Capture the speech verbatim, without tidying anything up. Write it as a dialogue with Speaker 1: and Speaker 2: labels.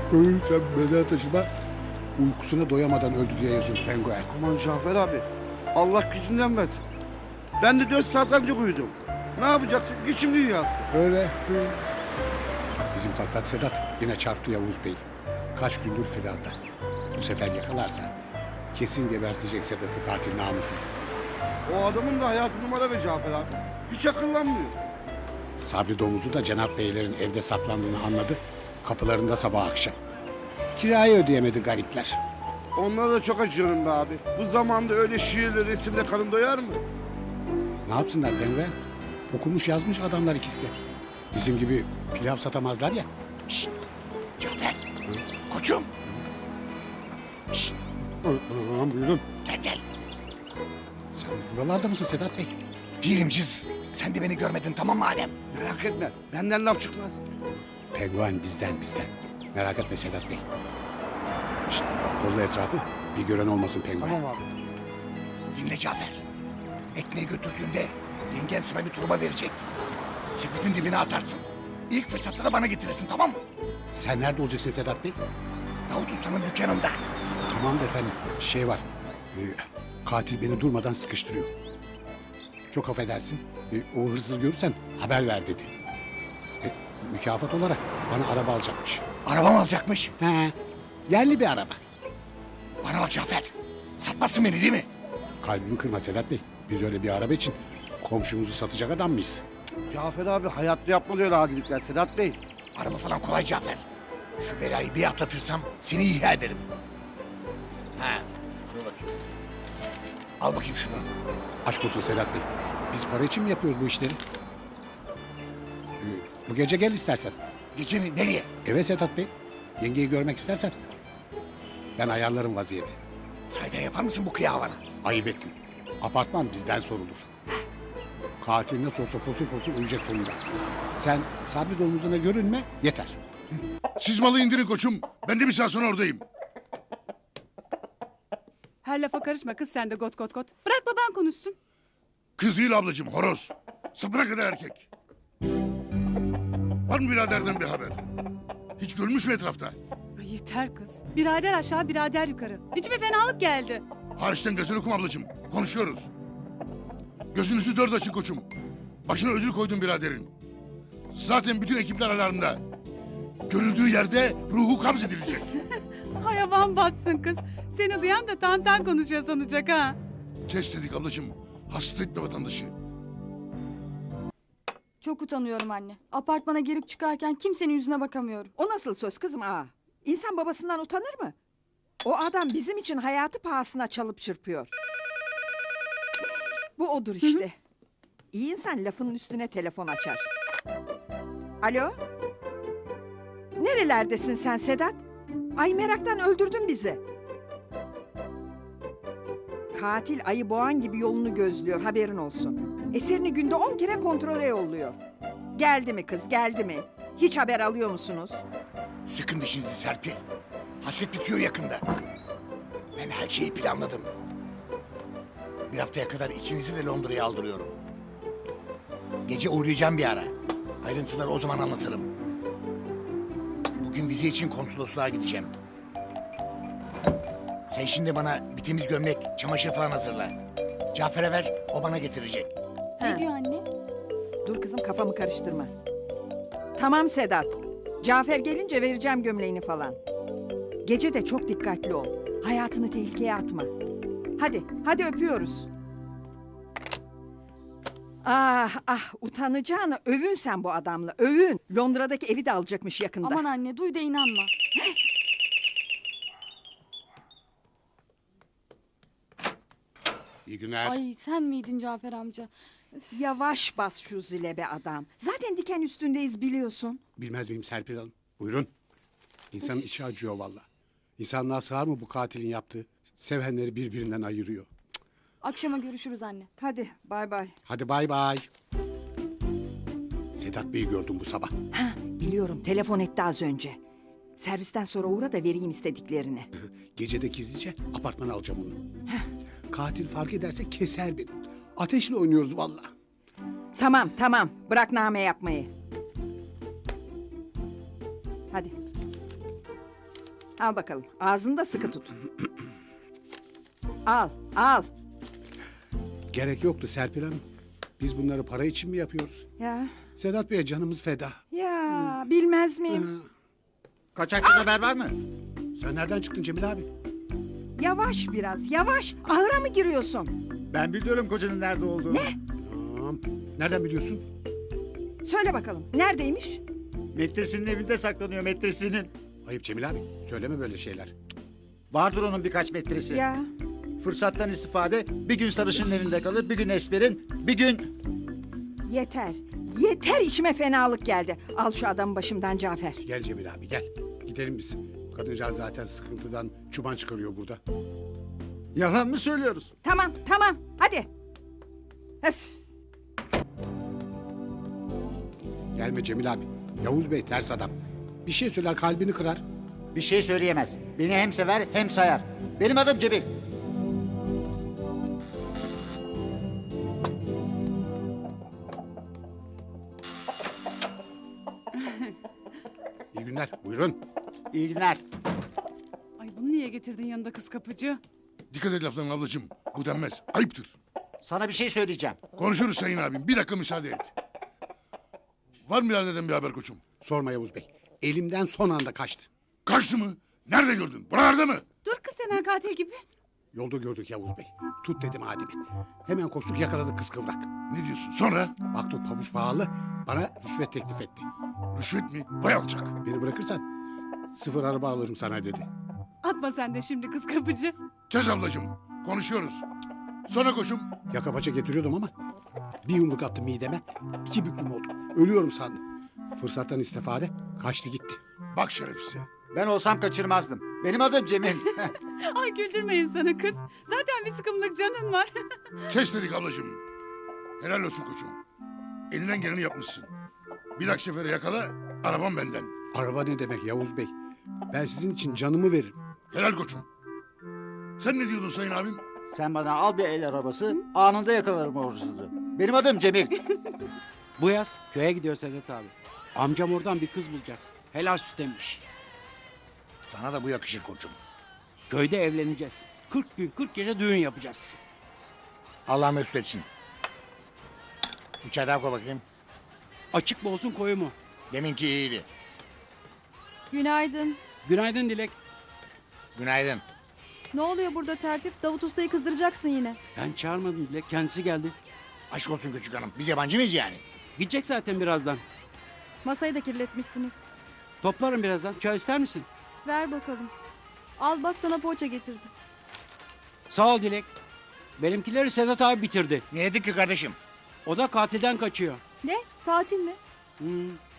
Speaker 1: Ölürsem mezar taşıma uykusuna doyamadan öldü diye yazıyor penguen.
Speaker 2: Aman Cafer abi. Allah gücünden versin. Ben de dört saat önce uyudum. Ne yapacaksın? Geçim dünyası.
Speaker 1: Öyle. Bizim taklak Sedat yine çarptı Yavuz Bey. Kaç gündür firarda. Bu sefer yakalarsa kesin gebertecek Sedat'ı katil namussuz.
Speaker 2: O adamın da hayatı numara be Cafer abi. Hiç akıllanmıyor.
Speaker 1: Sabri domuzu da Cenap Beylerin evde saklandığını anladı. Kapılarında sabah akşam. Kirayı ödeyemedi garipler.
Speaker 2: Onlara da çok acıyorum be abi. Bu zamanda öyle şiirle resimle karın doyar mı?
Speaker 1: Ne yapsınlar penguen? Okumuş yazmış adamlar ikisi de. Bizim gibi pilav satamazlar ya.
Speaker 3: Şşt! Cafer! Koçum! Şşt!
Speaker 1: Aman buyurun.
Speaker 3: Gel gel!
Speaker 1: Sen buralarda mısın Sedat Bey?
Speaker 3: Diyelimciz. Sen de beni görmedin tamam mı Adem?
Speaker 2: Merak etme. Benden laf çıkmaz.
Speaker 1: Penguen bizden bizden. Merak etme Sedat Bey. Şşt, kolla etrafı. Bir gören olmasın penguen.
Speaker 2: Tamam abi.
Speaker 3: Dinle Cafer. Ekmeği götürdüğünde yengen sana bir torba verecek. Sepetin dibine atarsın. İlk fırsatta da bana getirirsin tamam mı?
Speaker 1: Sen nerede olacaksın Sedat Bey?
Speaker 3: Davut Usta'nın dükkanında.
Speaker 1: Tamam da efendim. Şey var. e, katil beni durmadan sıkıştırıyor. Çok affedersin. E, o hırsızı görürsen haber ver dedi. E, mükafat olarak bana araba alacakmış.
Speaker 3: Araba mı alacakmış?
Speaker 1: He. Yerli bir araba.
Speaker 3: Bana bak Cafer. Satmazsın beni değil mi?
Speaker 1: Kalbimi kırma Sedat Bey. Biz öyle bir araba için komşumuzu satacak adam mıyız?
Speaker 2: Cafer abi hayatta yapmaz öyle adilikler Sedat Bey.
Speaker 3: Araba falan kolay Cafer. Şu belayı bir atlatırsam seni ihya ederim. Ha, dur bakayım. Al bakayım şunu.
Speaker 1: Aşk olsun Sedat Bey. Biz para için mi yapıyoruz bu işleri? Ee, bu gece gel istersen.
Speaker 3: Gece mi? Nereye?
Speaker 1: Eve Sedat Bey. Yengeyi görmek istersen. Ben ayarlarım vaziyeti.
Speaker 3: Sayda yapar mısın bu kıyavana?
Speaker 1: Ayıp ettim. Apartman bizden sorulur. Katil nasıl olsa fosul fosul ölecek sonunda. Sen Sabri domuzuna görünme yeter.
Speaker 4: Siz malı indirin koçum. Ben de bir saat sonra oradayım.
Speaker 5: Her lafa karışma kız sen de got got got. Bırak baban konuşsun.
Speaker 4: Kız değil ablacığım, horoz. Sapına kadar erkek. Var mı biraderden bir haber? Hiç görmüş mü etrafta?
Speaker 5: Ay yeter kız. Birader aşağı birader yukarı. İçime fenalık geldi.
Speaker 4: Hariçten gazel okum ablacığım. Konuşuyoruz. Gözünüzü dört açın koçum. Başına ödül koydum biraderin. Zaten bütün ekipler alarmda. Görüldüğü yerde ruhu kabz edilecek.
Speaker 5: Hayvan batsın kız. Seni duyan da tantan konuşuyor sanacak ha.
Speaker 4: Kes dedik ablacığım. Hasta etme vatandaşı.
Speaker 6: Çok utanıyorum anne. Apartmana girip çıkarken kimsenin yüzüne bakamıyorum.
Speaker 7: O nasıl söz kızım aa? İnsan babasından utanır mı? O adam bizim için hayatı pahasına çalıp çırpıyor. Bu odur işte. İyi insan lafının üstüne telefon açar. Alo? Nerelerdesin sen Sedat? Ay meraktan öldürdün bizi. Katil ayı boğan gibi yolunu gözlüyor haberin olsun. Eserini günde on kere kontrole yolluyor. Geldi mi kız geldi mi? Hiç haber alıyor musunuz?
Speaker 3: Sıkın dişinizi Serpil. Hasret bitiyor yakında. Ben her şeyi planladım. Bir haftaya kadar ikinizi de Londra'ya aldırıyorum. Gece uğrayacağım bir ara. Ayrıntıları o zaman anlatırım. Bugün vize için konsolosluğa gideceğim. Sen şimdi bana bir temiz gömlek, çamaşır falan hazırla. Cafer'e ver, o bana getirecek.
Speaker 6: Ne
Speaker 7: Ha.
Speaker 6: diyor anne?
Speaker 7: Dur kızım kafamı karıştırma. Tamam Sedat. Cafer gelince vereceğim gömleğini falan. Gece de çok dikkatli ol. Hayatını tehlikeye atma. Hadi, hadi öpüyoruz. Ah ah utanacağını övün sen bu adamla övün. Londra'daki evi de alacakmış yakında.
Speaker 6: Aman anne duy da inanma.
Speaker 1: İyi günler.
Speaker 6: Ay sen miydin Cafer amca?
Speaker 7: Yavaş bas şu zile be adam. Zaten diken üstündeyiz biliyorsun.
Speaker 1: Bilmez miyim Serpil Hanım? Buyurun. İnsanın içi acıyor valla. İnsanlığa sığar mı bu katilin yaptığı? Sevenleri birbirinden ayırıyor.
Speaker 6: Akşama görüşürüz anne.
Speaker 7: Hadi bay bay.
Speaker 1: Hadi bay bay. Sedat Bey'i gördüm bu sabah.
Speaker 7: Ha, biliyorum telefon etti az önce. Servisten sonra uğra da vereyim istediklerini.
Speaker 1: Gecede gizlice apartmana alacağım onu. Katil fark ederse keser beni. Ateşle oynuyoruz valla.
Speaker 7: Tamam tamam bırak name yapmayı. Hadi. Al bakalım. Ağzını da sıkı tut. Al, al.
Speaker 1: Gerek yoktu Serpil Hanım. Biz bunları para için mi yapıyoruz?
Speaker 7: Ya,
Speaker 1: Sedat Bey'e canımız feda.
Speaker 7: ya bilmez miyim?
Speaker 8: Kaçaktan haber var mı?
Speaker 1: Sen nereden çıktın Cemil abi?
Speaker 7: Yavaş biraz, yavaş. Ahıra mı giriyorsun?
Speaker 8: Ben biliyorum kocanın nerede olduğunu.
Speaker 7: Ne?
Speaker 1: Tamam. Nereden biliyorsun?
Speaker 7: Söyle bakalım. Neredeymiş?
Speaker 8: Metresinin evinde saklanıyor metresinin.
Speaker 1: Ayıp Cemil abi. Söyleme böyle şeyler.
Speaker 8: Vardır onun birkaç metresi.
Speaker 7: Ya,
Speaker 8: Fırsattan istifade bir gün sarışının elinde kalır, bir gün Esmer'in, bir gün...
Speaker 7: yeter. Yeter, içime fenalık geldi. Al şu adamı başımdan Cafer.
Speaker 1: Gel Cemil abi gel. Gidelim biz. Kadıncağız zaten sıkıntıdan çuban çıkarıyor burada.
Speaker 8: Yalan mı söylüyoruz?
Speaker 7: Tamam, tamam. Hadi. Öf.
Speaker 1: Gelme Cemil abi. Yavuz Bey ters adam. Bir şey söyler kalbini kırar.
Speaker 8: Bir şey söyleyemez. Beni hem sever hem sayar. Benim adım Cemil.
Speaker 1: İyi günler. Buyurun.
Speaker 8: İyi günler.
Speaker 5: Ay bunu niye getirdin yanında kız kapıcı?
Speaker 4: Dikkat et laflarına ablacığım. Bu denmez. Ayıptır.
Speaker 8: Sana bir şey söyleyeceğim.
Speaker 4: Konuşuruz sayın abim. Bir dakika müsaade et. Var mı biraderden bir haber koçum?
Speaker 1: Sorma Yavuz Bey. Elimden son anda kaçtı.
Speaker 4: Kaçtı mı? Nerede gördün? Buralarda mı?
Speaker 5: Dur kız hemen katil gibi.
Speaker 1: Yolda gördük Yavuz Bey. Tut dedim Adem'i. Hemen koştuk yakaladık kız kıvrak.
Speaker 4: Ne diyorsun? Sonra?
Speaker 1: Baktı pabuç pahalı. Bana rüşvet teklif etti.
Speaker 4: Rüşvet mi? Vay alçak.
Speaker 1: Beni bırakırsan sıfır araba alırım sana dedi.
Speaker 5: Atma sen de şimdi kız kapıcı.
Speaker 4: Kes ablacığım. Konuşuyoruz. Sonra koçum.
Speaker 1: Yaka paça getiriyordum ama bir yumruk attı mideme. İki büklüm oldu. Ölüyorum sandım. Fırsattan istifade kaçtı gitti.
Speaker 4: Bak şerefsize.
Speaker 8: Ben olsam kaçırmazdım. Benim adım Cemil.
Speaker 5: Ay güldürme insanı kız. Zaten bir sıkımlık canın var.
Speaker 4: Kes dedik ablacığım. Helal olsun koçum. Elinden geleni yapmışsın. Bir dahaki sefere yakala. Arabam benden.
Speaker 1: Araba ne demek Yavuz Bey? Ben sizin için canımı veririm.
Speaker 4: Helal koçum. Sen ne diyordun sayın abim?
Speaker 8: Sen bana al bir el arabası, anında yakalarım o hırsızı. Benim adım Cemil.
Speaker 9: Bu yaz köye gidiyor Sedat abi. Amcam oradan bir kız bulacak. Helal süt emmiş.
Speaker 3: Sana da bu yakışır koçum.
Speaker 9: Köyde evleneceğiz. kırk gün kırk gece düğün yapacağız.
Speaker 3: Allah mesut etsin. Bir çay daha koy bakayım.
Speaker 9: Açık mı olsun koyu mu?
Speaker 3: Deminki iyiydi.
Speaker 6: Günaydın.
Speaker 9: Günaydın Dilek.
Speaker 3: Günaydın.
Speaker 6: Ne oluyor burada tertip? Davut Usta'yı kızdıracaksın yine.
Speaker 9: Ben çağırmadım Dilek. Kendisi geldi.
Speaker 3: Aşk olsun küçük hanım. Biz yabancı mıyız yani?
Speaker 9: Gidecek zaten birazdan.
Speaker 6: Masayı da kirletmişsiniz.
Speaker 9: Toplarım birazdan. Çay ister misin?
Speaker 6: Ver bakalım. Al bak sana poğaça getirdim.
Speaker 9: Sağ ol Dilek. Benimkileri Sedat abi bitirdi.
Speaker 3: Ne yedik ki kardeşim?
Speaker 9: O da katilden kaçıyor.
Speaker 6: Ne? Katil mi?
Speaker 9: Hmm.